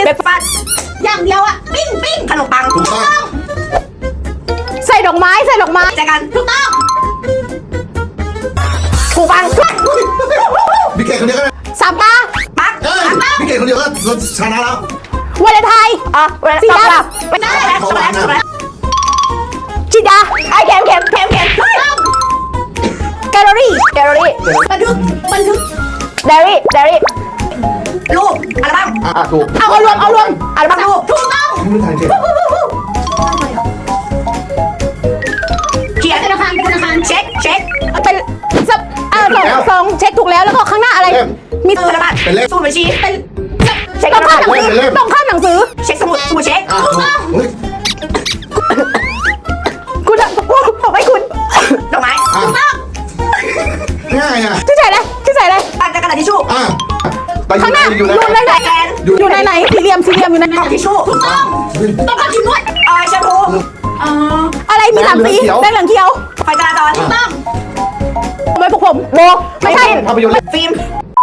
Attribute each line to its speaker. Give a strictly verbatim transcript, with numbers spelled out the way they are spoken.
Speaker 1: เบรกฟาสต์อย่างเดียวอะปิ้งปิ้งขนมปังถูกต้อง
Speaker 2: ใส่ดอกไม้ใส่ดอกไม้
Speaker 1: แจกันถูกต้องถูกปัง
Speaker 3: พี่เกดคนเดียวก็ได้
Speaker 2: สามตา
Speaker 1: ปัก
Speaker 3: พี่เกดคนเดียวก็ชนะแล้ว
Speaker 2: วาเลนไทน์
Speaker 1: อ่ะ
Speaker 2: สีดำ
Speaker 1: ไม่ได้แล้วช็อกโกแลตช็อกโกแลต
Speaker 2: จิดา
Speaker 1: ไอเค็มเค็มเค็มเค็ม
Speaker 2: แกลเลอรี่
Speaker 1: แกลเลอรี่บันทึกบันทึก
Speaker 2: เดรี่เดรี่
Speaker 1: รูปอัลบั้ม
Speaker 3: อ่ะถูก
Speaker 2: เอาเอารวมเอารวม
Speaker 1: อัลบั้มรูปถูกต้อง
Speaker 3: ไม่ทันเกด
Speaker 1: เขียนธนาคารธนาคารเช็คเช็ค
Speaker 2: เป็นสับอ่าสองสองเช็คถูกแล้วแล้วก็ข้างหน้าอะไร
Speaker 1: มีธนบัตรสูตรบัญชีเป็น
Speaker 2: เช็คต้องข้ามหนังสือต้องข้ามหนังสือ
Speaker 1: เช็คสมุดสมุดเช็คถูกต้อง
Speaker 2: คุณอะผมให้คุณ
Speaker 1: ดอกไม้ถูกต้อง
Speaker 3: ง่ายอ่ะ
Speaker 2: ชื่อใส่เลยชื่อใส่เลย
Speaker 1: ปังกระดาษทิชชู่
Speaker 3: อ่ะ
Speaker 2: ข้างหน้าอยู่ในไหนอยู่ในไหนสี่เหลี่ยมสี่เหลี่ยมอยู่ใน
Speaker 1: กล่องทิชชู่ถูกต้องต้องการทิชชู่เออแชมพู
Speaker 2: อะไรมีสามสีแดงเหลืองเขียว
Speaker 1: ไฟจราจรถูกต้อง
Speaker 2: ไม่พวกผมโบไม่ใช่
Speaker 3: ภาพยนตร์
Speaker 1: ฟิล์ม